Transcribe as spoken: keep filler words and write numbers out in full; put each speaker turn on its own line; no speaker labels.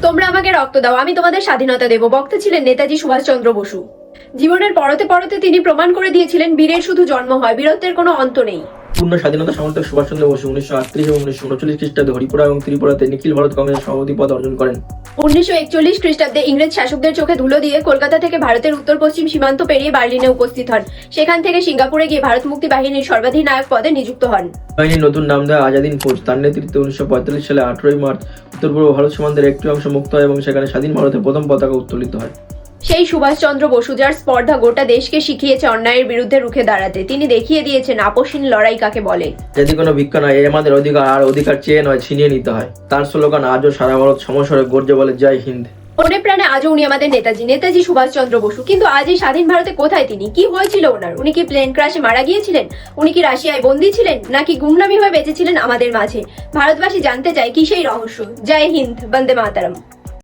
তোমরা আমাকে রক্ত দাও, আমি তোমাদের স্বাধীনতা দেব, বক্তা ছিলেন নেতাজি সুভাষচন্দ্র বসু। জীবনের পরতে পরতে তিনি প্রমাণ করে দিয়েছিলেন বীরের শুধু জন্ম হয়, বীরত্বের কোনো অন্ত নেই।
পূর্ণ স্বাধীনতা সমর্থক সুভাষচন্দ্র বসু উনিশশো আটত্রিশ এবং উনিশশো উনচল্লিশ খ্রিস্টাব্দে হরিপুরা এবং ত্রিপুরাতে নিখিল ভারত কংগ্রেসের সভাপতি পদ অর্জন করেন।
উনিশশো একচল্লিশ খ্রিস্টাব্দে ইংরেজ শাসকদের চোখে ধুলো দিয়ে কলকাতা থেকে ভারতের উত্তর পশ্চিম সীমান্ত পেরিয়ে বার্লিনে উপস্থিত হন। সেখান থেকে সিঙ্গাপুরে গিয়ে ভারত মুক্তি বাহিনীর সর্বাধিনায়ক পদে নিযুক্ত হন।
বাহিনীর নতুন নাম দেওয়া আজাদিন ফৌজ, তার নেতৃত্বে উনিশশো পঁয়তাল্লিশ সালে আঠারোই মার্চ উত্তর পূর্ব ভারত সীমান্তের একটি অংশ মুক্ত হয় এবং সেখানে স্বাধীন ভারতের প্রথম পতাকা উত্তোলিত হয়।
সেই সুভাষচন্দ্র বসু যার স্পর্ধা গোটা দেশকে শিখিয়েছে অন্যায়ের বিরুদ্ধে রুখে দাঁড়াতে। তিনি দেখিয়ে দিয়েছেন আপসহীন লড়াই কাকে বলে।
যদি কোনো ভিক্ষা নয়, এ আমাদের অধিকার, আর অধিকার চেয়ে নয় ছিনিয়ে নিতে হয়। তার স্লোগান আজও সারা ভারত সমস্বরে গর্জে বলে জয় হিন্দ।
মনে প্রাণে আজও উনি আমাদের নেতাজি, নেতাজি সুভাষচন্দ্র বসু। কিন্তু আজ এই স্বাধীন ভারতে কোথায় তিনি? কি হয়েছিল ওনার? উনি কি প্লেন ক্রাশে মারা গিয়েছিলেন? উনি কি রাশিয়ায় বন্দী ছিলেন, নাকি গুমনামি হয়ে বেঁচেছিলেন আমাদের মাঝে? ভারতবাসী জানতে চায় কি সেই রহস্য। জয় হিন্দ, বন্দে মাতরম।